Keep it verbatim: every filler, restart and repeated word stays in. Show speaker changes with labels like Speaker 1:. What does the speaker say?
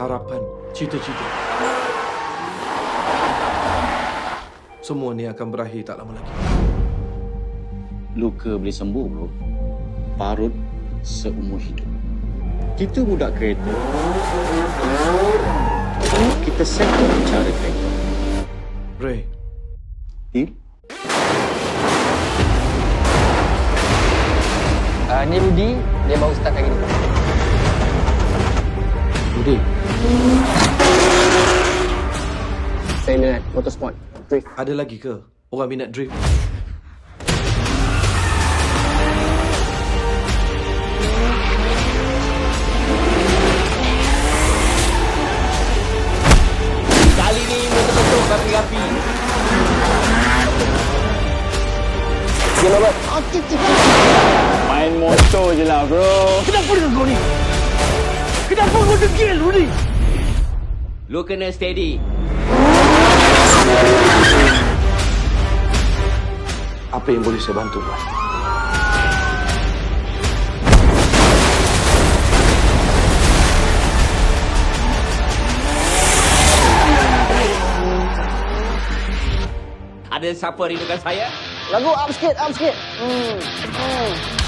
Speaker 1: harapan, cita-cita. Semua ni akan berakhir tak lama lagi.
Speaker 2: Luka boleh sembuh, bro. Parut seumur hidup. Kita budak kereta. Kita settle cara kereta.
Speaker 1: Ray,
Speaker 2: Deal?
Speaker 3: Uh, ni Rudy, dia baru start hari ni.
Speaker 2: Rudy.
Speaker 3: Saya minat motorsport, drift.
Speaker 1: ada lagi ke orang minat drift?
Speaker 3: Kali ni betul-betul rapi-rapi. Dia lewat.
Speaker 2: Main motor je lah, bro.
Speaker 3: Kenapa dengan kau ni? Kenapa kau degil, Rudy?
Speaker 4: Lu kena steady.
Speaker 1: Apa yang boleh saya bantu, Tuan?
Speaker 4: Ada siapa rindukan saya?
Speaker 3: Lagu up sikit, up sikit. Hmm. Hmm.